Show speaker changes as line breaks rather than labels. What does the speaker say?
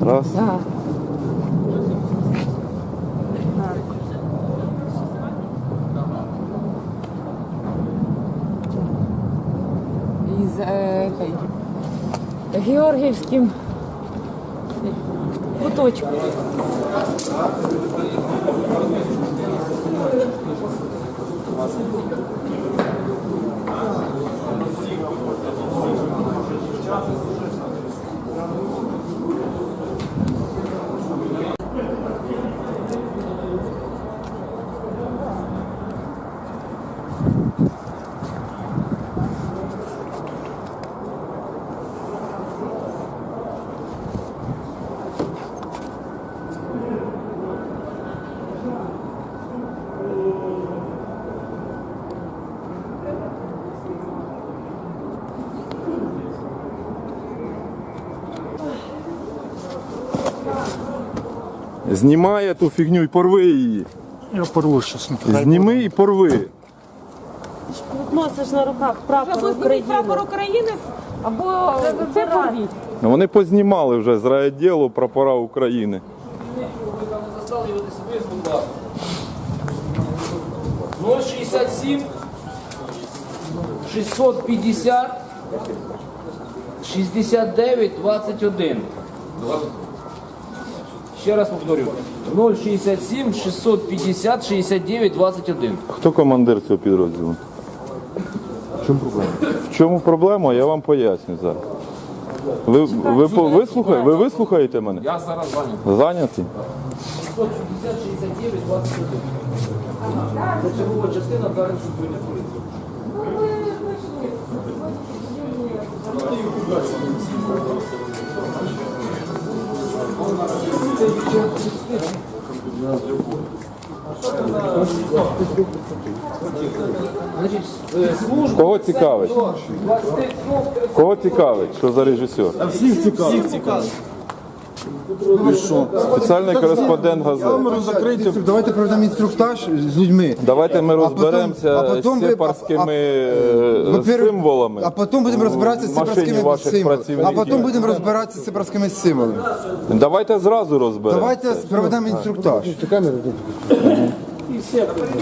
Раз.
Да. Із Георгіївським куточком.
Знімай ту фігню і порви її.
Я порву щось.
Зніми і порви.
Носиш на руках прапор України. Прапор України або це порвіть.
Вони познімали вже з райвідділу прапора України.
067 650 69 21. Ще раз повторю. 067 650 69 21.
Хто командир цього підрозділу? В чому проблема? В чому проблема? Я вам поясню зараз. Ви вислухаєте мене?
Я зараз зайнятий.
Зайнятий?
650 69 21. Це чергова частина Дарницької поліції.
Кого цікавить? Кого цікавить? Що за режисер?
Всіх цікавить. Ви що?
Спеціальний кореспондент газети.
Камеру закрийте.
Давайте проведемо інструктаж з людьми.
Давайте ми розберемося
а потім
з
ви-
сепарськими
Во-первых,
символами.
А потім будемо розбиратися з
в машині
сепарськими
ваших
символами.
працівників.
А потім будемо розбиратися з сепарськими символами.
Давайте зразу розберемося.
Давайте проведемо інструктаж.